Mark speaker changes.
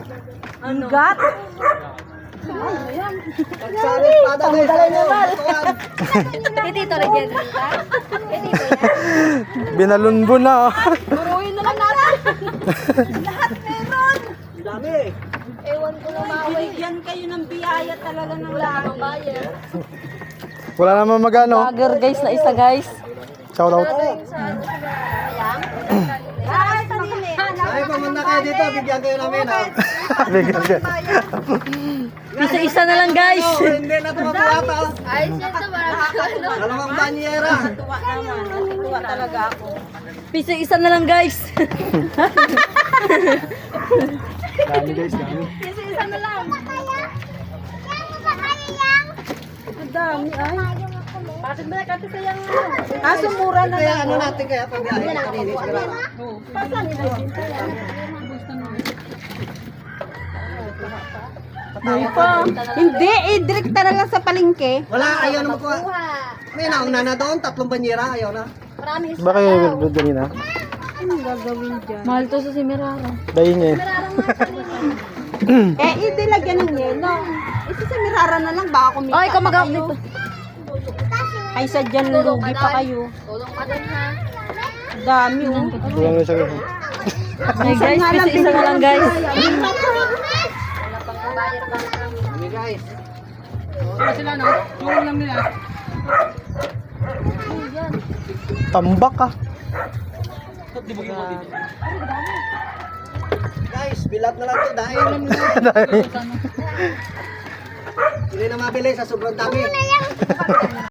Speaker 1: Ano? Gat?
Speaker 2: Pagsari espada guys.
Speaker 1: Dito lagyan ka? Dito yan.
Speaker 3: Binalunbo na.
Speaker 1: Buruin na lang natin. Lahat meron.
Speaker 2: Dami.
Speaker 1: Ewan ko na maway. Bigyan kayo ng biyaya talaga ng langit.
Speaker 3: Wala naman magano.
Speaker 1: Vlogger guys na isa guys.
Speaker 3: Shout out.
Speaker 2: Ay, pumunta kayo dito. Bigyan kayo namin ha.
Speaker 3: Bigyan ka.
Speaker 1: Isa-isa na lang guys.
Speaker 2: Oh, hindi na tumatuwata.
Speaker 1: Ay, siyempre marami.
Speaker 2: Dalawang banyera.
Speaker 1: Tuwa naman. Tuwa talaga ako. Isa-isa na lang guys.
Speaker 3: Dami guys, dami.
Speaker 1: Isa-isa na lang. Ang dami ay. Bakit ba nakati sayang kaso mura na
Speaker 2: Kaya
Speaker 1: lang.
Speaker 2: ano natin kaya pag biyahe kanina sigurado.
Speaker 1: Pasan nila. Hindi, direct talaga sa palengke.
Speaker 2: Wala, ayaw na makuha. May nauna na doon, 3 banyera, ayaw na.
Speaker 3: Baka yung wilbred kanina.
Speaker 1: Anong gagawin dyan? Mahal to sa Simirara.
Speaker 3: Dahin niya eh.
Speaker 1: Hindi lagyan ng yelo. Isa sa Mirara na lang, baka kumita. Ay, kamagap nito. Ay, sadyan lugi pa kayo. Tulong pa din ha. Dami oh.
Speaker 3: Kulang na siya guys.
Speaker 1: Ay guys, isa na lang guys.
Speaker 2: Kami guys.
Speaker 3: Tambak ka.
Speaker 2: Guys, bilat na lang to dahil hindi na mabili sa sobrang dami.